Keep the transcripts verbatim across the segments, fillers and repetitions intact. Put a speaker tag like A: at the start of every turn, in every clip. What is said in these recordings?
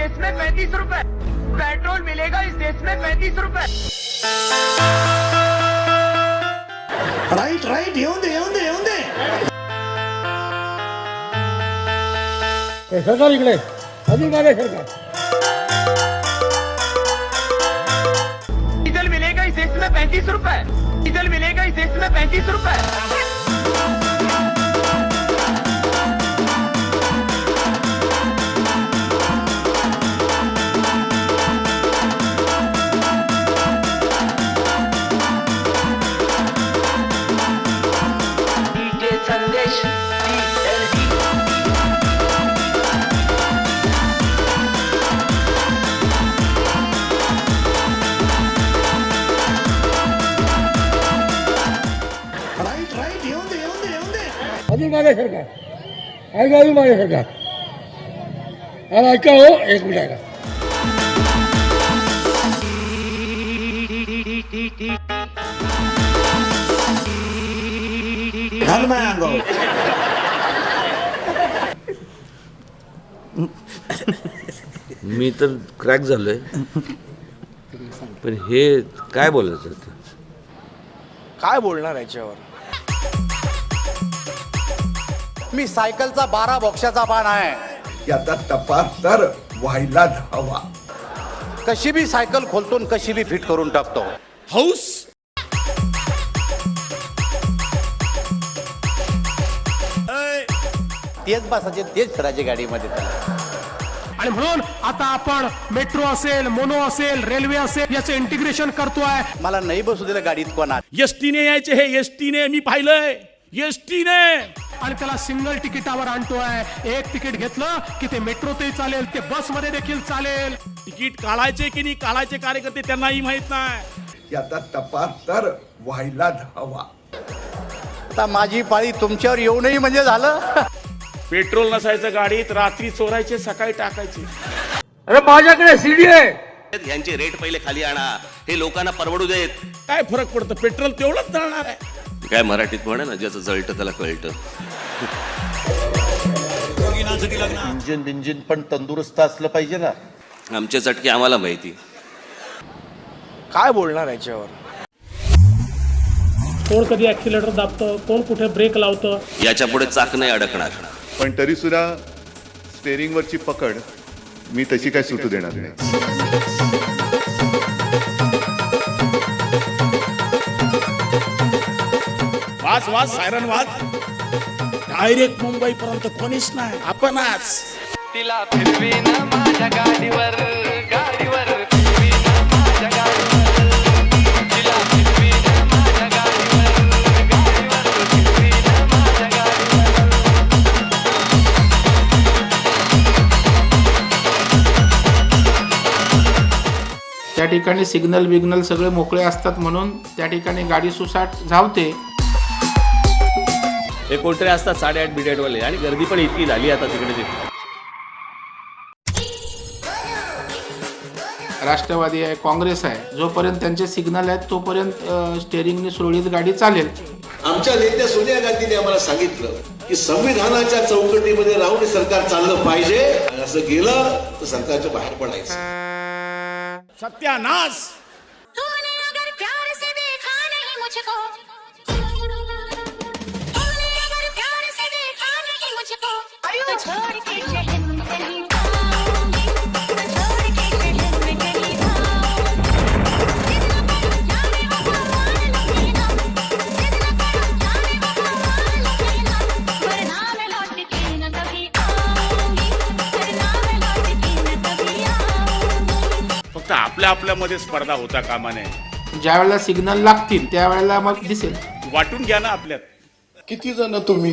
A: देश में पैंतीस रुपए, पेट्रोल मिलेगा इस देश में पैंतीस रुपए।
B: राईट राईट येऊन दे येऊन दे येऊन दे
C: सरकार इकडे अजून मागे सरकार
A: डीजल मिलेगा इस देश में पैंतीस रुपए, डीजल मिलेगा इस देश में पैंतीस रुपए। संदेश
B: राईट राईट येऊन दे येऊन दे येऊन दे
C: अजून मागे सरकार ऐका अजून मागे सरकार अरे ऐका हो एक मिनिट ऐका
B: घाल माझ्या अंगावर
D: मी तर क्रॅक झालोय पण हे काय बोलायचं होतं?
E: काय बोलणार याच्यावर?
F: मी सायकलचा बारा बॉक्साचा पान आहे.
G: याचा तपास तर व्हायलाच हवा.
F: कशी बी सायकल खोलतो आणि कशी बी फिट करून टाकतो.
E: हौस
F: तेच बसायचे तेच फिरायचे गाडीमध्ये त्याला.
H: आणि म्हणून आता आपण मेट्रो असेल, मोनो असेल, रेल्वे असेल याचं इंटिग्रेशन करतोय.
F: मला नाही बसू दिलं गाडीत कोणा.
E: एसटीने यायचे हे एसटीने मी पाहिलंय एसटीने
H: आणि त्याला सिंगल तिकिटावर आणतोय. एक तिकीट घेतलं की ते मेट्रोतही चालेल, ते बस मध्ये देखील चालेल.
E: तिकीट काढायचे की नाही काढायचे कार्यकर्ते त्यांनाही माहित नाही.
G: याचा तपास तर व्हायलाच हवा.
F: आता माझी पाळी तुमच्यावर येऊ नये म्हणजे झालं.
E: पेट्रोल नसायचं गाडीत, रात्री चोरायचे सकाळी टाकायचे.
C: अरे माझ्याकडे सीडी आहे.
I: यांचे रेट पहिले खाली आणा, हे लोकांना परवडू देत.
E: काय फरक पडतं? पेट्रोल तेवढंच जाणार आहे.
I: काय मराठीत म्हणे ना, ज्याचं जळतं त्याला कळतं.
F: इंजिन बिंजिन पण तंदुरुस्त असलं पाहिजे ना.
I: आमच्या चटके आम्हाला माहिती.
E: काय बोलणार याच्यावर?
H: कोण कधी ऍक्सिलेटर दाबतं, कोण कुठे ब्रेक लावतं.
I: याच्या पुढे चाक नाही अडकणार.
J: पण तरी सुद्धा स्टेअरिंगवरची पकड मी तशी काय सुटू देणार नाही.
E: वाच वाच सायरन वाच. डायरेक्ट मुंबई पर्यंत कोणीच नाही, आपणच.
A: तिला फिरवीन माझ्या गाडीवर, गाडीवर फिरवीन माझ्या गाडीवर, तिला फिरवीन माझ्या गाडीवर, गाडीवर फिरवीन माझ्या गाडीवर.
K: त्या ठिकाणी सिग्नल बिग्नल सगळे मोकळे असतात म्हणून त्या ठिकाणी गाडी सुसाट धावते.
I: हे कोणतरी असतात साडेआठ बिडेटवाले आणि गर्दी पण इतकी झाली आता तिकडे. तिथे
K: राष्ट्रवादी आहे, काँग्रेस आहे, जोपर्यंत त्यांचे सिग्नल आहेत तोपर्यंत स्टेअरिंगने सुरळीत गाडी चालेल.
G: आमच्या नेत्या सोनिया गांधीने आम्हाला सांगितलं की संविधानाच्या चौकटीमध्ये राहून सरकार चाललं पाहिजे. असं गेलं तर सरकारच्या बाहेर पडायचं.
E: सत्यानाश.
L: तूने अगर प्यार से देखा नहीं मुझको, तूने अगर प्यार से देखा नहीं मुझको, तो छोड़ के शहर में कहीं जाऊंगी, तो छोड़ के शहर में कहीं जाऊंगी. जितना करो जाने वो भगवान लगेगा, जितना करो जाने वो भगवान लगेगा, वरना मैं लौट के न कभी आऊंगी, वरना मैं लौट के न कभी आऊंगी.
E: फक्त आपल्या आपल्यामध्ये स्पर्धा होता कामा नये.
K: ज्या वेळेला सिग्नल लागतील त्यावेळेला मग दिसेल.
E: वाटून घ्या ना आपल्यात.
G: किती जण तुम्ही?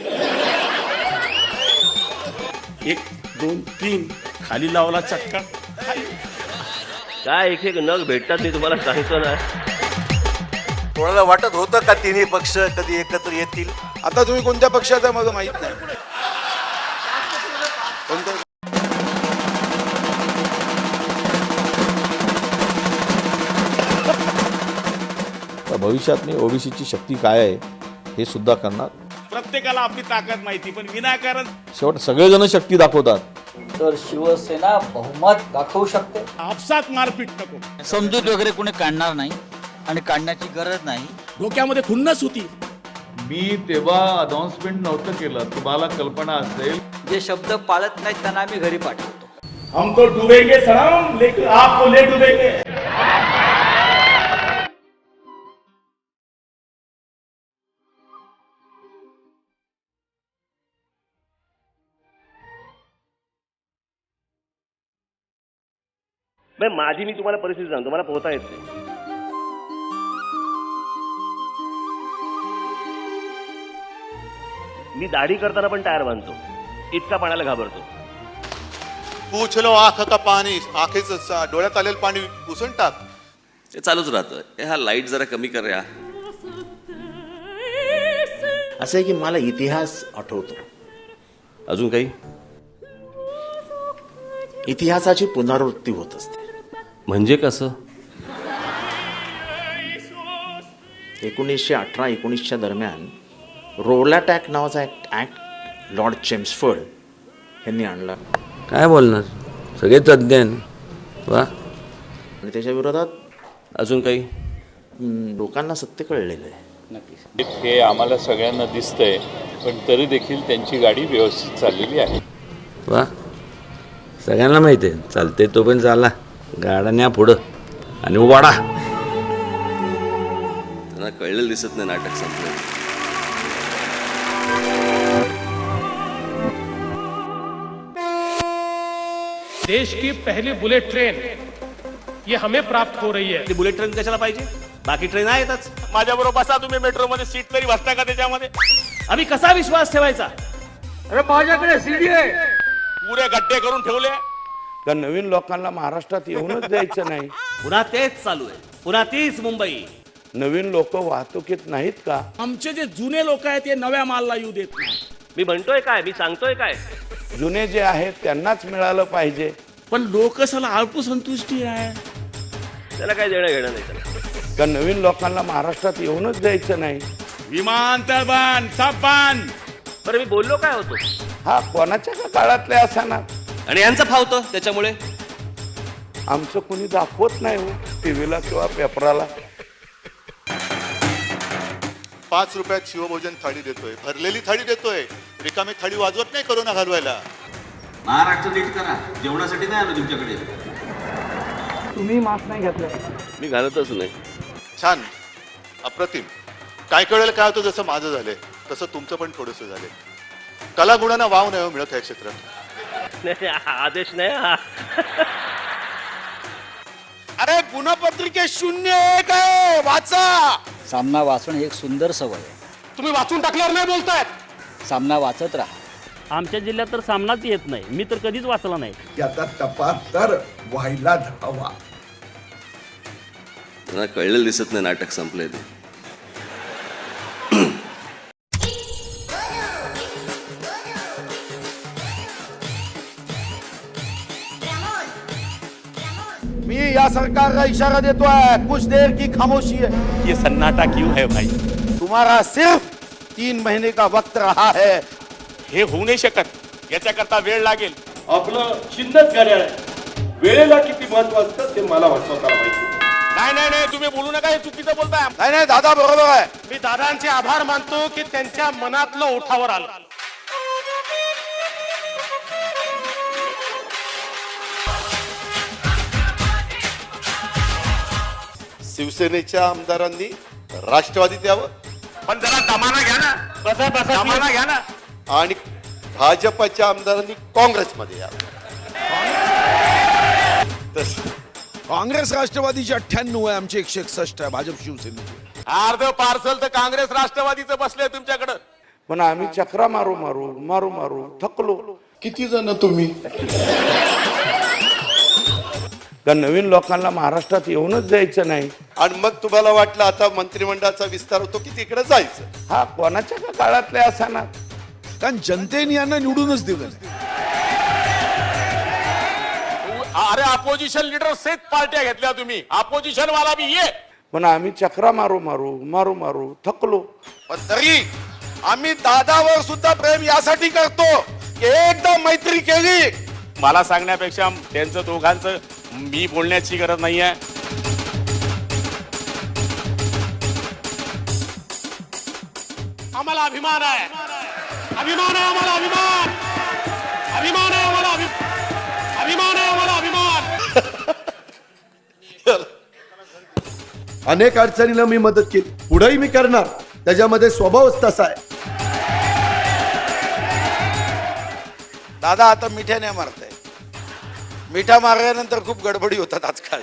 E: एक दोन तीन खाली लावला चक्का खाली.
I: काय एक एक नग भेटतात मी तुम्हाला सांगतो ना.
F: कोणाला वाटत होतं का तिन्ही पक्ष कधी एकत्र येतील?
G: आता तुम्ही कोणत्या पक्षाचा माझं माहित नाही. कोणत्या?
D: भविष्यात मी ओबीसीची शक्ती काय आहे हे सुद्धा करणार.
E: प्रत्येकाला आपली ताकद माहिती, पण विनाकारण
D: शेवट सगळेजण शक्ती दाखवतात.
A: तर शिवसेना बहुमत दाखवू शकते.
E: आपसात मारपीट नको.
A: समजूत वगैरे कोणी काढणार नाही आणि काढण्याची गरज नाही.
E: डोक्यामध्ये खुन्नस होती.
D: मी तेव्हा अनाउन्समेंट नव्हतं केलं, तुम्हाला कल्पना असेल.
A: जे शब्द पाळत नाहीत त्यांना आम्ही घरी पाठवतो.
E: हम तो डूबेंगे सनम, लेकिन आपको ले डूबेंगे.
I: माझी मी तुम्हाला परिस्थिती सांगतो, मला पोहता येत नाही. मी दाढी करताना पण टायर बांधतो, इतका पाण्याला घाबरतो.
J: पूछलो आंख का पाणी, आखेच डोळ्यात आलेलं पाणी पुसून टाक.
I: ते चालूच राहतं. हा लाईट जरा कमी कर या.
F: असं आहे की मला इतिहास आठवतो.
I: अजून काही
F: इतिहासाची पुनरावृत्ती होत असते.
I: म्हणजे कसं?
F: एकोणीसशे अठरा एकोणीसच्या दरम्यान रोलाटॅक नावाचा एक ॲक्ट लॉर्ड चेम्सफोर्ड यांनी आणला.
K: काय बोलणार, सगळे तज्ञ वा.
F: आणि त्याच्या विरोधात
I: अजून काही
F: हम्म, लोकांना सत्य कळलेलं आहे.
D: हे आम्हाला सगळ्यांना दिसतंय, पण तरी देखील त्यांची गाडी व्यवस्थित चाललेली आहे.
K: वा, सगळ्यांना माहिती आहे चालते तो पण चाला, गाडा न्या पुढं आणि वाडा.
I: त्यांना कळलेलं दिसत नाही नाटक संपलं.
H: देश की पहली बुलेट ट्रेन ये हमें प्राप्त हो रही है.
I: बुलेट ट्रेन कशाला पाहिजे? बाकी ट्रेन आहेतच. माझ्या बरोबर बसा तुम्ही मेट्रोमध्ये, सीट तरी बसता का त्याच्यामध्ये? आम्ही कसा विश्वास ठेवायचा?
C: अरे माझ्याकडे सीडी आहे.
I: पुरे गड्डे करून ठेवले.
C: तर नवीन लोकांना महाराष्ट्रात येऊनच द्यायचं नाही.
I: पुन्हा तेच चालू आहे, पुन्हा तीच मुंबई.
C: नवीन लोक वाहतुकीत नाहीत का?
E: आमचे जे जुने लोक आहेत ते नव्या मालला येऊ देत नाही.
I: मी म्हणतोय काय, मी सांगतोय काय?
C: जुने जे आहेत त्यांनाच मिळालं पाहिजे.
E: पण लोकसला अल्प संतुष्टी आहे.
I: त्याला काय देणं घेणं नाही त्याला.
C: तर नवीन लोकांना महाराष्ट्रात येऊनच द्यायचं नाही.
E: विमानतळ बांध, सब बांध.
I: बरं मी बोललो काय होतो?
C: हा कोणाच्या का काळातले असा ना,
I: आणि यांचं फावतं त्याच्यामुळे.
C: आमचं कुणी दाखवत नाही हो टीव्हीला किंवा पेपराला.
J: पाच रुपयात शिवभोजन थाळी देतोय, भरलेली थाळी देतोय, रिकामी थाळी वाजवत नाही करोना घालवायला.
I: महाराष्ट्र नीट करा, जेवणासाठी नाही आलो तुमच्याकडे.
A: तुम्ही मास्क नाही घेतलं.
I: मी घालतच नाही.
J: छान, अप्रतिम. काय कळेल काय होतं, जसं माझं झालंय तसं तुमचं पण थोडंसं झालंय. कलागुणांना वाव नाही मिळत या क्षेत्रात.
I: आदेश नाही हा.
E: अरे गुणपत्रिके शून्य एक आहे, वाचा.
A: सामना वाचन ही एक सुंदर सवय आहे.
E: तुम्ही वाचून टाकल्यावर नाही ताकदीवर
A: सामना वाचत राहा.
I: आमच्या जिल्ह्यात तर सामनाच येत नाही, मी तर कधीच वाचला नाही.
B: याचा तपास तर व्हायलाच हवा.
I: त्यांना कळलेलं दिसत नाही नाटक संपलंय ते.
C: मी या सरकारला इशारा देतोय, कुछ देर की खामोशी है.
I: ये सन्नाटा क्यों है भाई?
C: तुम्हारा सिर्फ तीन महीने का वक्त रहा है.
E: हे होऊ नाही शकत, याच्याकरता वेळ लागेल.
I: आपलं चिन्हच घड्याळ आहे. वेळेला किती महत्व असतं ते मला वाटतं माहिती.
E: नाही नाही नाही, तुम्ही बोलू नका, हे चुकीचं बोलताय.
C: नाही नाही दादा बरोबर आहे.
E: मी दादांचे आभार मानतो की त्यांच्या मनातलं ओठावर आलं.
J: शिवसेनेच्या आमदारांनी राष्ट्रवादीत यावं
E: पण जरा दमाना घ्या ना.
I: बसा बसा
E: दमाना घ्या ना.
J: आणि भाजपच्या आमदारांनी काँग्रेसमध्ये यावं. तसं
B: काँग्रेस राष्ट्रवादीची अठ्ठ्याण्णव आहे, आमची एकशे एकसष्ट आहे भाजप शिवसेनेची.
E: अर्ध पार्सल तर काँग्रेस राष्ट्रवादीचं बसले तुमच्याकडं.
C: पण आम्ही चक्रा मारू मारू मारू मारू थकलो.
B: किती जण तुम्ही?
C: तर नवीन लोकांना महाराष्ट्रात येऊनच द्यायचं नाही.
J: आणि मग तुम्हाला वाटलं आता मंत्रिमंडळाचा विस्तार होतो की तिकडे जायचं.
C: हा कोणाच्या का काळातले असा ना,
B: कारण जनतेने यांना निवडूनच दिलं.
E: अरे अपोजिशन लीडर सेट पार्ट्या घेतल्या तुम्ही, अपोजिशन वाला बी ये.
C: पण आम्ही चक्रा मारू मारू मारू मारू थकलो.
E: पण तरी आम्ही दादावर सुद्धा प्रेम यासाठी करतो की एकदा मैत्री केली
I: मला सांगण्यापेक्षा त्यांचं दोघांचं मी बोलण्याची गरज नाही आहे.
H: आम्हाला अभिमान आहे अभिमान आहे आम्हाला अभिमान अभिमान आहे आम्हाला अभि- अभिमान आहे आम्हाला अभिमान.
B: अनेक अडचणीला मी मदत केली, पुढेही मी करणार. त्याच्यामध्ये स्वभावच तसा आहे. दादा आता मिठ्याने मारताय. मिठा मारल्यानंतर खूप गडबडी होतात आजकाल.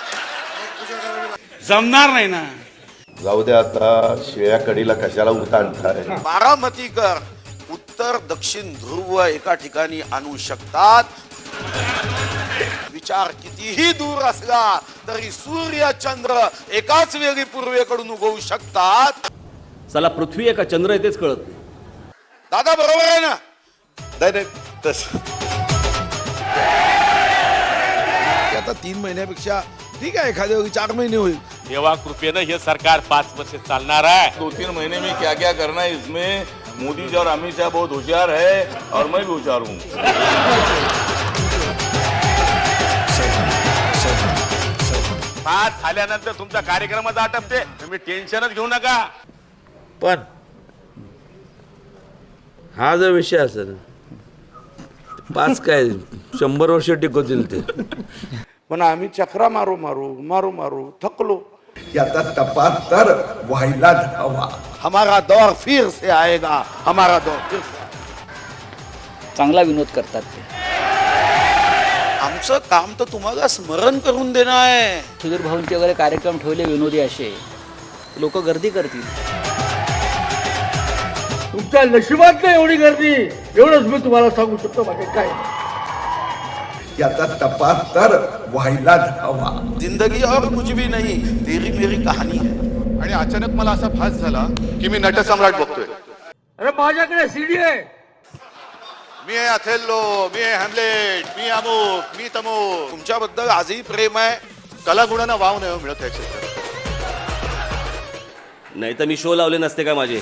I: जमणार नाही ना.
D: जाऊ द्या आता, शिळ्या कडीला कशाला उताणताय.
B: बारामतीकर उत्तर दक्षिण ध्रुव एका ठिकाणी आणू शकतात. विचार कितीही दूर असला तरी सूर्य चंद्र एकाच वेळी पूर्वेकडून उगवू शकतात.
I: चला पृथ्वी आहे का चंद्र आहे तेच कळत.
B: दादा बरोबर आहे ना?
D: नाही नाही तस
B: आता तीन महिन्यापेक्षा ठीक आहे, एखाद्या वेळी चार महिने होईल.
I: देवा कृपेनं हे सरकार पाच वर्ष चालणार आहे.
K: दो तीन महीने में क्या क्या करना है इसमें मोदी जी और अमित शाह बहुत होशियार है और मैं भी होशियार हूँ.
I: पाच झाल्यानंतर तुमचा कार्यक्रमच आटपते, तुम्ही टेन्शनच घेऊ नका.
K: पण हा जर विषय असेल पाच काय शंभर वर्ष टिकवतील ते.
E: पण आम्ही चक्रा मारू मारू मारू मारू थकलो.
B: याचा तपास तर व्हायलाच हवा. हमारा दौर फिर से आएगा, हमारा दौर फिर से.
A: चांगला विनोद करतात ते.
B: आमचं काम तर तुम्हाला स्मरण करून देणं आहे.
A: सुधीर भाऊंचे वगैरे कार्यक्रम ठेवले विनोदी असे, लोक गर्दी करतील.
C: तुमच्या नशिबात नाही एवढी गर्दी, एवढंच मी तुम्हाला सांगू शकतो. बाकी काय
B: याचा तपास तर व्हायलाच हवा. जिंदगी और कुछ भी नहीं, तेरी मेरी कहानी है.
J: आणि अचानक मला असा भास झाला की मी नटसम्राट बघतोय.
C: अरे माझ्याकडे सीडी आहे.
J: मी आहे अथेल्लो, मी आहे हॅमलेट, मी अमुक, मी तमुक.
B: तुमच्याबद्दल आजही प्रेम आहे.
J: कलागुणांना वाव नाही मिळत आहे क्षेत्रात.
I: नाही तर मी शो लावले नसते का माझे.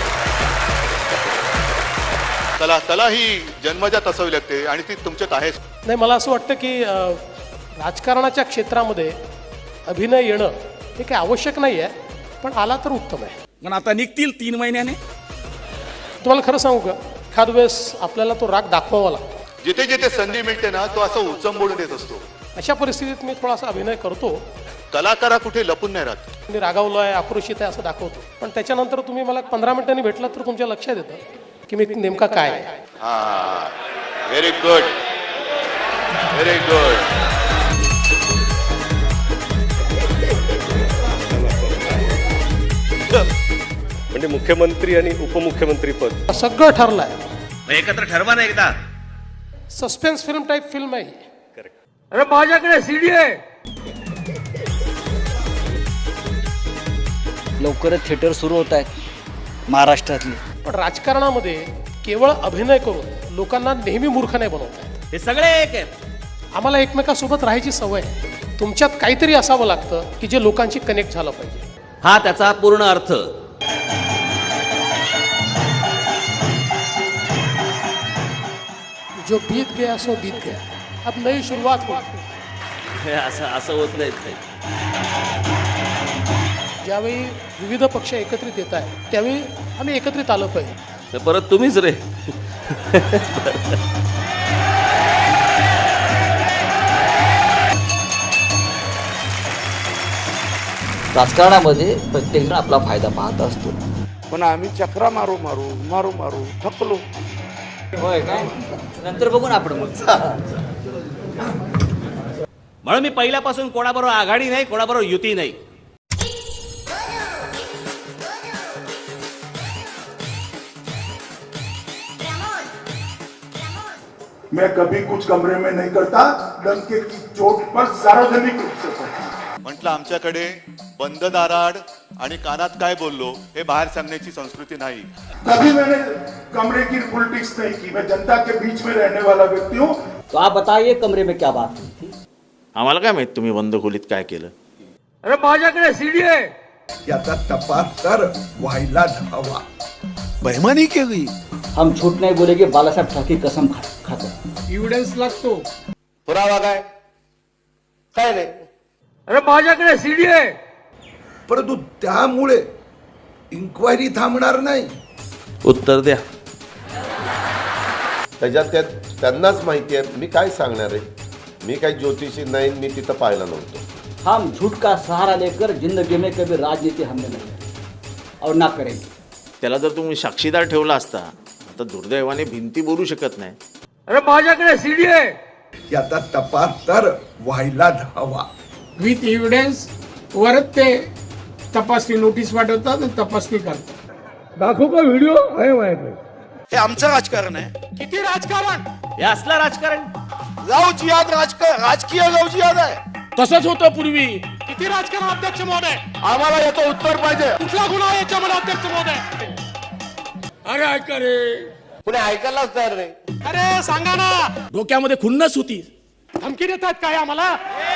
J: कला कला ही जन्मजात असावी लागते आणि ती तुमच्यात आहे.
H: नाही, मला असं वाटतं की अ, राजकारणाच्या क्षेत्रामध्ये अभिनय येणं हे काही आवश्यक नाही आहे, पण आला तर उत्तम आहे.
E: पण आता निघतील तीन महिन्याने.
H: तुम्हाला खरं सांगू का, एखाद वेळेस आपल्याला तो राग दाखवावा लागतो.
J: जिथे जिथे संधी मिळते ना तो असं उचंबोडून येत असतो.
H: अशा परिस्थितीत मी थोडासा अभिनय करतो.
J: कलाकार हा कुठे लपून नाही राहत.
H: मी रागावलो आहे, आक्रोशित आहे असं दाखवतो, पण त्याच्यानंतर तुम्ही मला पंधरा मिनिटांनी भेटलात तर तुमच्या लक्षात येतं की मी नेमका काय आहे.
J: हा, व्हेरी गुड, व्हेरी गुड.
I: म्हणजे मुख्यमंत्री आणि उपमुख्यमंत्री पद
H: सगळं ठरलं आहे.
I: एकत्र ठरवा ना एकदा.
H: सस्पेन्स फिल्म टाईप फिल्म आहे.
C: अरे माझ्याकडे सीडी आहे.
A: लवकरच थिएटर सुरू होत आहेत महाराष्ट्रातले.
H: पण राजकारणामध्ये केवळ अभिनय करून लोकांना नेहमी मूर्ख नाही बनवत आहेत.
I: हे सगळे एक आहेत.
H: आम्हाला एकमेकांसोबत राहायची सवय आहे. तुमच्यात काहीतरी असावं लागतं की जे लोकांशी कनेक्ट झालं पाहिजे.
I: हा त्याचा पूर्ण अर्थ.
H: जो बीत गया सो बीत गया, अब नई शुरुआत हो.
I: हे असं असं होत नाही काही.
H: ज्यावेळी विविध पक्ष एकत्रित येत आहेत त्यावेळी आम्ही एकत्रित आलं पाहिजे.
I: तर परत तुम्हीच रे.
A: राजकारणामध्ये प्रत्येकजण आपला फायदा पाहत असतो.
E: पण आम्ही चक्रा मारू मारू मारू मारू थकलो.
A: होय काय, नंतर बघू ना आपण मग.
I: म्हणून मी पहिल्यापासून कोणाबरोबर आघाडी नाही, कोणाबरोबर युती नाही.
C: मैं कभी कुछ कमरे में नहीं करता, डंके की चोट पर सार्वजनिक रूप से करता.
J: म्हटलं आमच्याकडे बंद दाराड आणि कानात काय बोललो हे बाहेर सांगण्याची संस्कृती नाही.
C: कभी मैंने कमरे की पॉलिटिक्स नहीं की. मैं जनता के बीच में रहने वाला व्यक्ति हूँ.
A: तो आप बताइए कमरे में क्या बात हुई थी.
F: आम्हाला काय माहित तुम्ही बंद खोलीत काय केलं.
C: अरे माझ्याकडे सीडी आहे.
B: याचा तपास तर व्हायलाच हवा. बेमानी केली.
M: हम झूठ नहीं बोलेंगे, बाला साहेब ठाकरे कसम खा खाते हैं.
C: एव्हिडन्स लागतो.
G: पुरावा काय काय नाही.
C: अरे माझ्याकडे सीडी आहे.
B: परंतु त्यामुळे इन्क्वायरी थांबणार नाही.
K: उत्तर द्या.
J: त्याच्यात त्या त्यांनाच माहिती आहे. मी काय सांगणार आहे. मी काही ज्योतिषी नाही, मी तिथं पाहिला नव्हतो.
M: हम झूठ का सहारा लेकर जिंदगी में कभी राजनीति हमने नहीं की और ना करेंगे.
F: त्याला जर तुम्ही साक्षीदार ठेवला असता तर दुर्दैवाने भिंती बोलू शकत नाही.
C: अरे माझ्याकडे सीडी आहे.
B: याचा तपास तर व्हायलाच हवा.
C: विथ एव्हिडन्स वरच ते तपासणी नोटीस पाठवतात आणि तपासणी करतात. दाखवू का व्हिडिओ आहे माझ्याकडे.
B: हे आमचं राजकारण आहे.
H: किती राजकारण.
I: हे असलं राजकारण.
B: गाव जिहाद राजकारण, राजकीय गाव जिहाद आहे.
E: तसंच होतं पूर्वी.
H: किती राजकारण अध्यक्ष महोदय.
B: आम्हाला याचं उत्तर पाहिजे.
H: कुठला गुन्हा आहे याच्यामध्ये अध्यक्ष महोदय.
C: अरे ऐका रे.
G: कुणी ऐकायलाच तयार नाही.
H: अरे सांगा ना.
E: डोक्यामध्ये खुन्नस होती.
H: धमकी देतात काय आम्हाला.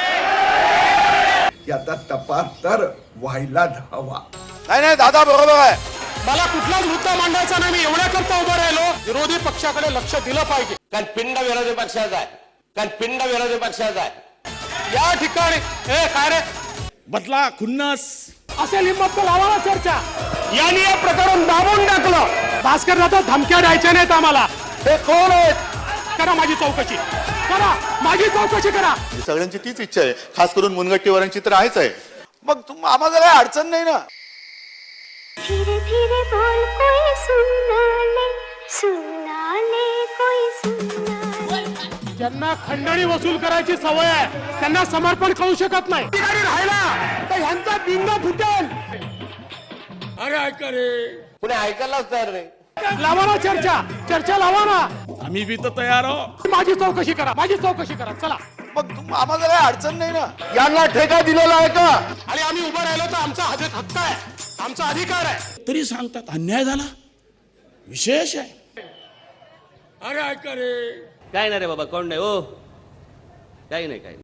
B: याचा तपास तर व्हायलाच हवा.
G: नाही नाही दादा बरोबर आहे.
H: मला कुठलाच मुद्दा मांडायचा नाही. मी एवढ्या करता उभं राहिलो. विरोधी पक्षाकडे लक्ष दिलं पाहिजे.
G: कारण पिंड विरोधी पक्षाचा आहे. कारण पिंड विरोधी पक्षाचा आहे.
H: या ठिकाणी ए काय रे
E: बदला खुन्नस
H: असेल हिंमत तर लावा ना चर्चा. यांनी हे प्रकरण दाबून टाकलं. भास्कर दादा धमक्या द्यायच्या नाहीत आम्हाला.
G: हे कोण आहेत.
H: करा माझी चौकशी करा. माझी चौकशी करा.
J: सगळ्यांची तीच इच्छा आहे. खास करून मुनगट्टीवारांची तर आहेच आहे.
B: मग तुम आम्हाला काही अडचण नाही ना.
L: धीरे धीरे बोल कोई सुनना ले, सुनना ले कोई सुनना ले.
H: ज्यांना खंडणी वसूल करायची सवय आहे त्यांना समर्पण करू शकत नाही. ठिकाणी राहिला तर ह्यांचा बिंग फुटेल.
C: अरे ऐका रे.
G: कुणी ऐकायलाच तयार नाही.
H: लावा ना चर्चा. चर्चा लावा ना.
E: आम्ही बी तर तयार आहोत.
H: माझी चौकशी करा. माझी चौकशी करा. चला.
B: मग तुम आम्हाला काही अडचण नाही ना.
G: यांना ठेका दिलेला आहे का.
H: आणि आम्ही उभं राहिलो तर आमचा हद- हक्क आहे. आमचा अधिकार आहे.
E: तरी सांगतात अन्याय झाला. विशेष आहे.
C: अरे ऐका रे.
I: काय नाही रे बाबा, कोण नाही हो. काही नाही काही नाही.